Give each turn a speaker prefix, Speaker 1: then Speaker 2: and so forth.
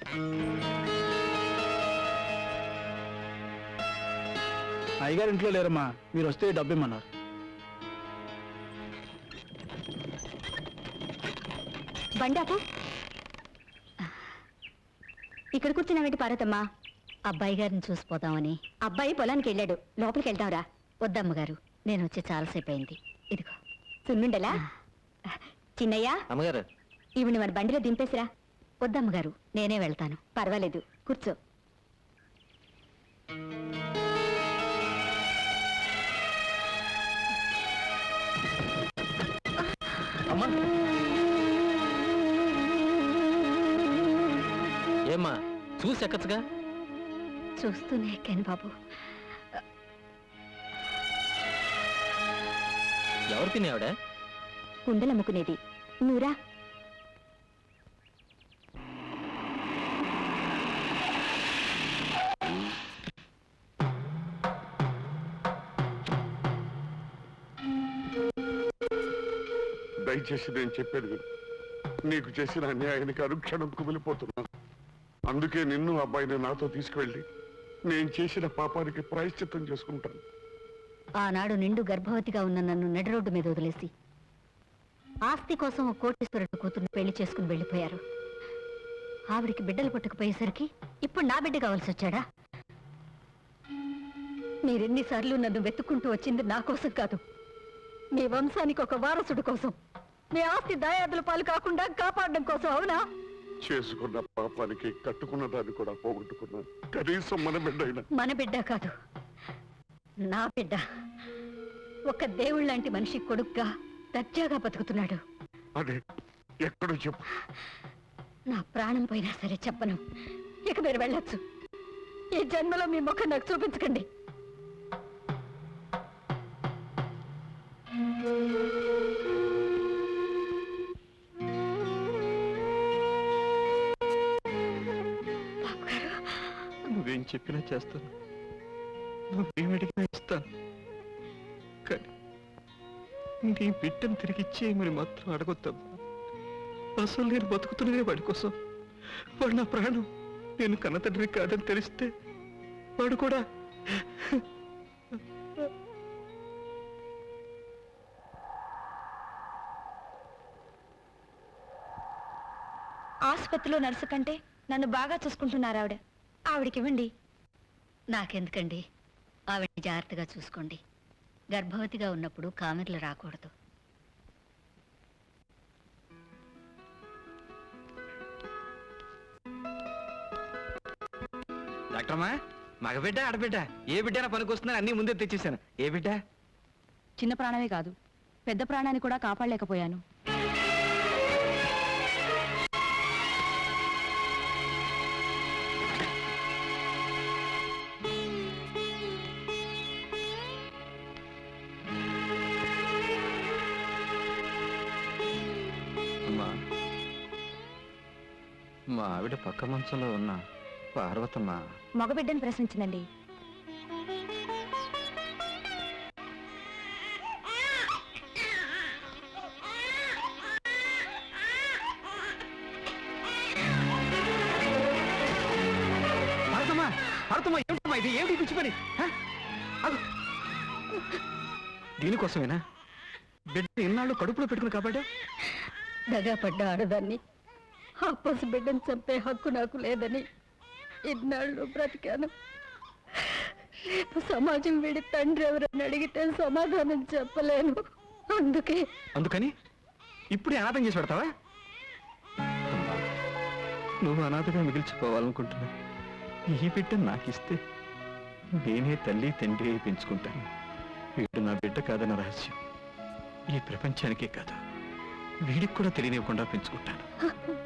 Speaker 1: అయ్యగారు ఇంట్లో లేరమ్మా, మీరు వస్తే డబ్బు ఇమ్మన్నారు.
Speaker 2: బండాపు ఇక్కడ కూర్చున్నావేంటి పార్వతమ్మా?
Speaker 3: అబ్బాయి గారిని చూసిపోదామని.
Speaker 2: అబ్బాయి పొలానికి వెళ్ళాడు, లోపలికి వెళ్తావురా?
Speaker 3: వద్దమ్మగారు, నేను వచ్చి చాలాసేపు అయింది. ఇదిగో
Speaker 2: సున్నుండలా? చిన్నయ్య,
Speaker 4: అమ్మగారు
Speaker 2: ఈవిని మన బండిలో దింపేసిరా.
Speaker 3: వద్దమ్మగారు, నేనే వెళ్తాను.
Speaker 2: పర్వాలేదు, కూర్చో.
Speaker 4: అమ్మా, ఏమ్మా చూసి ఎక్కచ్చుగా?
Speaker 3: చూస్తూనే ఎక్కాను బాబు.
Speaker 4: ఎవరు తినేవాడ?
Speaker 2: కుండలమ్ముకునేది. నువ్వురా.
Speaker 5: దయచేసి నేను చెప్పేది విను. నీకు చేసిన అన్యాయానికి అనుక్షణం కుమిలిపోతున్నాను. అందుకే నిన్ను అబ్బాయిని నాతో తీసుకువెళ్ళి నేను చేసిన పాపానికి ప్రాయశ్చిత్తం చేసుకుంటాను.
Speaker 3: ఆనాడు నిండు గర్భవతిగా ఉన్న నన్ను నడి రోడ్డు మీద వదిలేసి ఆస్తి కోసం ఒక కోటీశ్వరుడు కూతుర్ని పెళ్లి చేసుకుని వెళ్ళిపోయారు. ఆవిడికి బిడ్డలు పుట్టకపోయేసరికి ఇప్పుడు నా బిడ్డ కావాల్సి వచ్చాడా? మీరెన్నిసార్లు నన్ను వెతుక్కుంటూ వచ్చింది నా కోసం కాదు, మీ వంశానికి ఒక వారసుడు కోసం, మీ ఆస్తి దాయాదుల పాలు కాకుండా కాపాడడం కోసం. అవునా?
Speaker 5: చేసుకున్న పాపానికి కట్టుకున్న దాన్ని కూడా పోగొట్టుకున్నాను. కనీసం మన బిడ్డ అయినా.
Speaker 3: మన బిడ్డ కాదు, నా బిడ్డ. ఒక దేవుళ్ళ లాంటి మనిషి కొడుగ్గా దర్జాగా బతుకుతున్నాడు.
Speaker 5: అదే ఎక్కడో చెప్పు.
Speaker 3: నా ప్రాణం పోయినా సరే చెప్పను. ఇక మీరు వెళ్ళొచ్చు. ఈ జన్మలో మీ ముఖం నాకు చూపించకండి.
Speaker 1: నువ్వేం చెప్పినా చేస్తాను, నువ్వేం అడిగినా ఇస్తాను. కానీ నీ బిడ్డను తిరిగి ఇచ్చేయమని మాత్రం అడగొద్దమ్మా. అసలు నేను బతుకుతున్నదే వాడి కోసం. వాడు నా ప్రాణం. నేను కన్నతండ్రి కాదని తెలిస్తే వాడు కూడా.
Speaker 2: ఆసుపత్రిలో నర్సు కంటే నన్ను బాగా చూసుకుంటున్నారు ఆవిడ. ఆవిడకివ్వండి.
Speaker 3: నాకెందుకండి? ఆవిడని జాగ్రత్తగా చూసుకోండి. గర్భవతిగా ఉన్నప్పుడు కామెర్లు రాకూడదు.
Speaker 4: డాక్టర్మా, మగబిడ్డ ఆడబిడ్డ ఏ బిడ్డ పనికొస్తుందని అన్ని ముందే తెచ్చేసాను. ఏ బిడ్డ?
Speaker 2: చిన్న ప్రాణమే కాదు, పెద్ద ప్రాణాన్ని కూడా కాపాడలేకపోయాను.
Speaker 4: మా ఆవిడ పక్క మంచంలో ఉన్న పార్వతమ్మ
Speaker 2: మగబిడ్డని ప్రశ్నించిందండి.
Speaker 4: ఇది ఏమిటి పిచ్చి పని? దీనికోసమేనా బిడ్డ ఇన్నాళ్ళు కడుపులో పెట్టుకుని కాబట్టి?
Speaker 3: దగా పడ్డ ఆడదాన్ని, ఆ పసి బిడ్డను చంపే హక్కు నాకు లేదని ఇన్నాళ్ళు బ్రతికాను. రేపు సమాజం వీడి తండ్రి ఎవరని అడిగితే సమాధానం చెప్పలేను.
Speaker 4: అందుకని ఇప్పుడే అనాథం చేసి పెడతావా?
Speaker 1: నువ్వు అనాథగా మిగిల్చిపోవాలనుకుంటున్నా. ఈ బిడ్డ నాకిస్తే నేనే తల్లి తండ్రి పెంచుకుంటాను. వీడు నా బిడ్డ కాదన్న రహస్యం ఈ ప్రపంచానికే కాదు, వీడికి కూడా తెలియనివ్వకుండా పెంచుకుంటాను.